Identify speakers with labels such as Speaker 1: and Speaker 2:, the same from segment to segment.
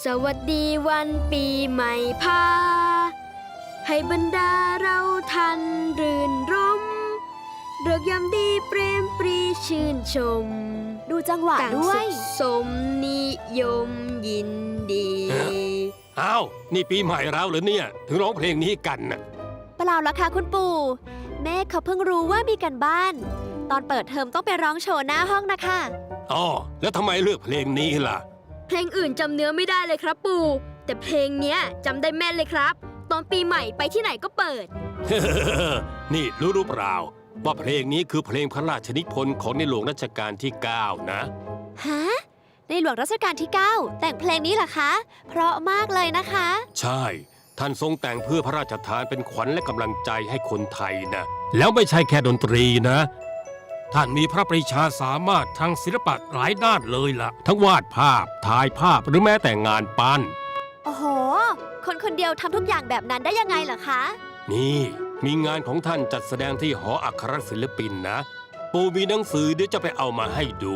Speaker 1: สวัสดีวันปีใหม่พาให้บรรดาเราทันรื่นรมเริกยามดีเปรมปรีชื่นชม
Speaker 2: ดูจังหวะด้วย
Speaker 1: สมนิยมยินดี
Speaker 3: อ้าวนี่ปีใหม่แล้วเหรอเนี่ยถึงร้องเพลงนี้กันน่ะ
Speaker 2: เปล่าละค่ะคุณปู่แม่เขาเพิ่งรู้ว่ามีกันบ้าน ตอนเปิดเทอมต้องไปร้องโชว์หน้าห้องนะคะ
Speaker 3: อ๋อแล้วทำไมเลือกเพลงนี้ล่ะ
Speaker 1: เพลงอื่นจำเนื้อไม่ได้เลยครับปู่แต่เพลงเนี้ยจำได้แม่นเลยครับ ตอนปีใหม่ไปที่ไหนก็เปิด
Speaker 3: นี่รู้เปล่าว่าเพลงนี้คือเพลงพระราชนิพนธ์ของในหลวงรัชกาลที่ 9 นะ
Speaker 2: ฮะ ในหลวงรัชกาลที่ 9 แต่งเพลงนี้เหรอคะ เพราะมากเลยนะคะ
Speaker 3: ใช่ ท่านทรงแต่งเพื่อพระราชทานเป็นขวัญและกำลังใจให้คนไทยนะแล้วไม่ใช่แค่ดนตรีนะท่านมีพระปรีชาสามารถทางศิลปะหลายด้านเลยล่ะ ทั้งวาดภาพถ่ายภาพหรือแม้แต่งานปั้น
Speaker 2: โอ้โห คนคนเดียวทำทุกอย่างแบบนั้นได้ยังไงเหรอคะ
Speaker 3: นี่มีงานของท่านจัดแสดงที่หออัครศิลปินนะปู่มีหนังสือเดี๋ยวจะไปเอามาให้ดู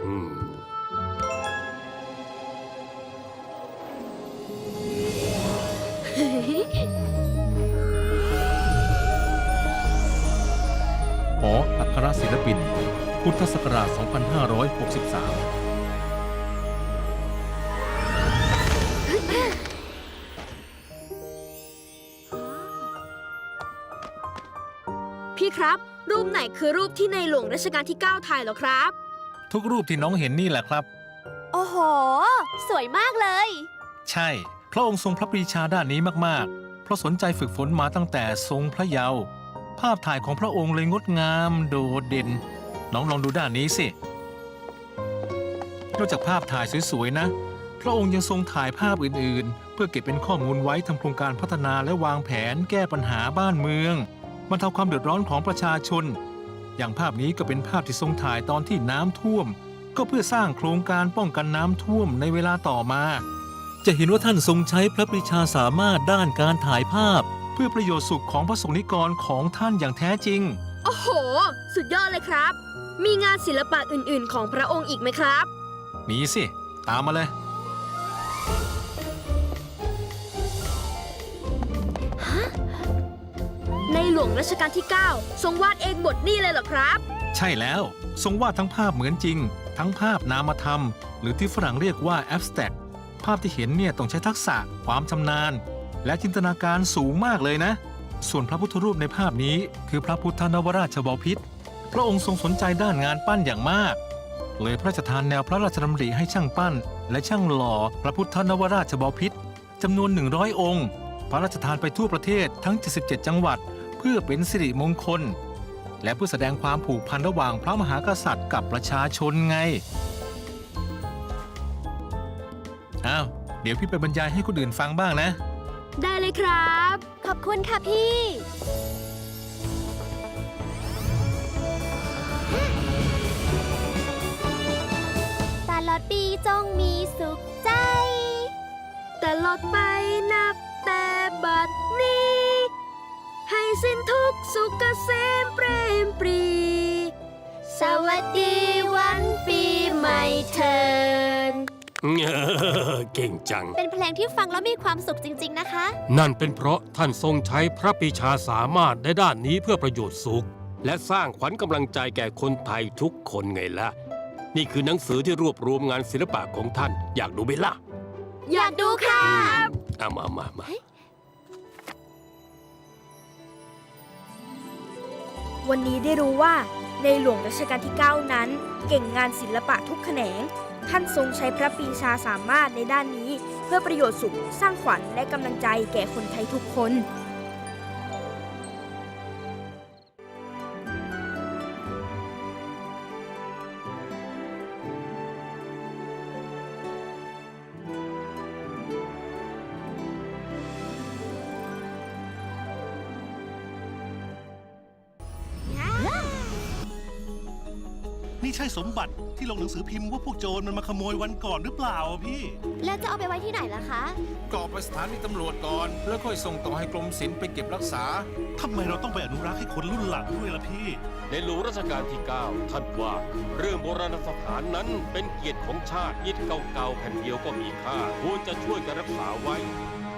Speaker 4: หออัครศิลปิน พุทธศักราช 2563
Speaker 1: พี่ครับ รูปไหนคือรูปที่ในหลวงรัชกาลที่ 9 ถ่ายเหรอครับ
Speaker 4: ทุกรูปที่น้องเห็นนี่แหละครับ
Speaker 2: โอ้โห สวยมากเลย
Speaker 4: ใช่ พระองค์ทรงพระปรีชาด้านนี้มากๆ เพราะสนใจฝึกฝนมาตั้งแต่ทรงพระเยาว์ภาพถ่ายของพระองค์เลยงดงามโดดเด่น น้องลองดูด้านนี้สินอกจากภาพถ่ายสวยๆนะ พระองค์ยังทรงถ่ายภาพอื่นๆ เพื่อเก็บเป็นข้อมูลไว้ทำโครงการพัฒนาและวางแผนแก้ปัญหาบ้านเมืองบรรเทาความเดือดร้อนของประชาชน อย่างภาพนี้ก็เป็นภาพที่ทรงถ่ายตอนที่น้ำท่วม ก็เพื่อสร้างโครงการป้องกันน้ำท่วมในเวลาต่อมา จะเห็นว่าท่านทรงใช้พระปรีชาสามารถด้านการถ่ายภาพ เพื่อประโยชน์สุขของพระสงฆ์นิกรของท่านอย่างแท้จริง
Speaker 1: โอ้โห สุดยอดเลยครับ มีงานศิลปะอื่นๆ ของพระองค์อีกไหมครับ
Speaker 4: มีสิ ตามมาเลย
Speaker 1: ในหลวงรัชกาลที่ 9 ทรงวาดเองบทนี้เลยเหรอครับ
Speaker 4: ใช่แล้ว ทรงวาดทั้งภาพเหมือนจริง ทั้งภาพนามธรรม หรือที่ฝรั่งเรียกว่า abstract ภาพที่เห็นเนี่ยต้องใช้ทักษะ ความชำนาญ และจินตนาการสูงมากเลยนะ ส่วนพระพุทธรูปในภาพนี้คือพระพุทธนวราชบพิตรพระองค์ทรงสนใจด้านงานปั้นอย่างมาก เลยพระราชทานแนวพระราชดำริให้ช่างปั้น และช่างหล่อพระพุทธนวราชบพิตรจำนวน 100 องค์ พระราชทานไปทั่วประเทศทั้ง 77 จังหวัด เพื่อเป็นสิริมงคล และเพื่อแสดงความผูกพันระหว่างพระมหากษัตริย์กับประชาชนไง อ้าว เดี๋ยวพี่ไปบรรยายให้คนอื่นฟังบ้างนะ
Speaker 1: ได้เลยครับ
Speaker 2: ขอบคุณค่ะพี่ ตลอดปีจงมีสุขใจ
Speaker 1: ตลอดไปนับแต่บัดนี้ ให้สิ้นทุกข์สุขเกษมเปรมปรี สวัสดีวันปีใหม่เทิน
Speaker 3: เก่งจัง
Speaker 2: เป็นเพลงที่ฟังแล้วมีความสุขจริงๆนะคะ
Speaker 3: นั่นเป็นเพราะท่านทรงใช้พระปรีชาสามารถในด้านนี้เพื่อประโยชน์สุข และสร้างขวัญกำลังใจแก่คนไทยทุกคนไงล่ะ นี่คือหนังสือที่รวบรวมงานศิลปะของท่าน อยากดูไหมล่ะ
Speaker 1: อยากดูค่ะ
Speaker 3: เอามา
Speaker 5: วันนี้ได้รู้ว่าในหลวงรัชกาลที่ 9 นั้น เก่งงานศิลปะทุกแขนง ท่านทรงใช้พระปรีชาสามารถในด้านนี้ เพื่อประโยชน์สุขสร้างขวัญและกำลังใจแก่คนไทยทุกคน
Speaker 6: ใช่สมบัติที่ลงหนังสือพิมพ์ว่าพวกโจรมันมาขโมยวันก่อนหรือเปล่าอะพี่
Speaker 2: แล้วจะเอาไปไว้ที่ไหนล่ะคะ
Speaker 7: ก็ไปสถานีตำรวจก่อน แล้วค่อยส่งต่อให้กรมศิลป์ไปเก็บรักษา
Speaker 6: ทำไมเราต้องไปอนุรักษ์ให้คนรุ่นหลังด้วยล่ะพี่
Speaker 3: ในหลวงรัชกาลที่ 9 ท่านว่าเรื่องโบราณสถานนั้นเป็นเกียรติของชาติอิฐเก่าๆแผ่นเดียวก็มีค่าควรจะช่วยกันรักษาไว้